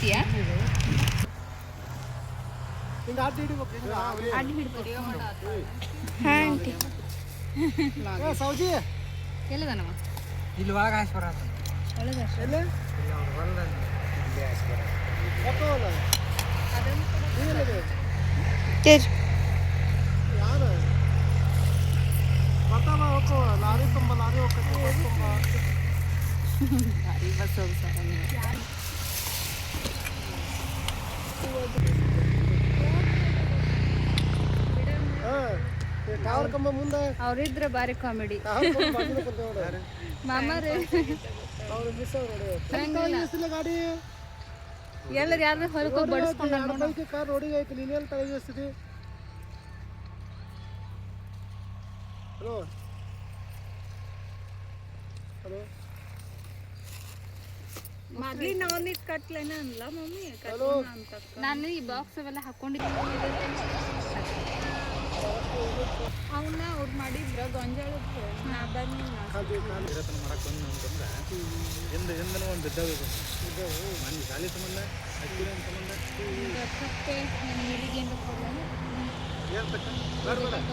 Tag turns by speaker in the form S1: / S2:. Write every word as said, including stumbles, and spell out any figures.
S1: ಹಿಡಿತೀಯಾ? ಅಡ್ಡಿ ಹಿಡ್ಕೊ. ಹಾ ಆಂಟಿ.
S2: ಸೌಜಿ
S1: ಎಲ್ಲದನವ?
S3: ಇಲ್ಲಿ ಒಳಗೆ ಹಾಸ್ಬರ
S1: ಒಳಗೆ ಅಷ್ಟೇ.
S3: ಇಲ್ಲ ಅವ್ರು ಹೊಲ್ದ ಇಲ್ಲಿ ಹಾಸ್ಬರ
S2: ಯಾರು ಬರ್ತಾವ ಹೋಗೋ ಲಾರಿ ತುಂಬ ಲಾರಿ ಹೋಗ್ತೈತಿ ಬಸ್ ತುಂಬ
S1: ಲಾರಿ ಬಸ್ ಹೋಗ್ತಾರೆ.
S2: ಟವರ್ ಕಂಬ ಮುಂದೆ
S1: ಅವ್ರಿದ್ರೆ ಬಾರಿ ಕಾಮಿಡಿ. ಮಾಮಾರೇ
S2: ಅವ್ರು ಮಿಸ್ ನೋಡಿ ಗಾಡಿ
S1: ಎಲ್ಲರೂ ಯಾರು ಹೊರಗೆ ಹೋಗಿ ಬಡಿಸ್ಕೊಂಡು
S2: ಬೈಕ್ ಕಾರ್ ರೋಡಿಗೆ ಐತಿ. ನೀನೇನು ತಲೆಗಿಸ್ತಿದ್ದಿ? ಹಲೋ ಹಲೋ
S1: ಮಗ್ಲಿ ನಾನಿದ್ ಕಟ್ಲೇನ ಅನ್ಲ ಮಮ್ಮಿ. ನಾನು ಈ ಬಾಕ್ಸ್ ಅವೆಲ್ಲ ಹಾಕೊಂಡಿದ್ದೀನಿ. ಅವನ್ನ ಅವ್ರು ಮಾಡಿದ್ರ ಗೊಂಜಾಳದ್ದು ನಾ ಬಂದು
S3: ಮಾಡಕ್ಕೆ ಬಂದು ಅಂತಂದ್ರೆ ಹಿಂದ ಹಿಂದನೂ ಒಂದು ಬಿದ್ದಾವೆ ಮಂದಿ ಶಾಲೆ ಸಂಬಂಧ ಅಕ್ಕಿನ ಸಂಬಂಧ
S1: ಕಟ್ಟೆ ನನ್ನ ನೀರಿಗೆ ಏನು
S3: ಏನು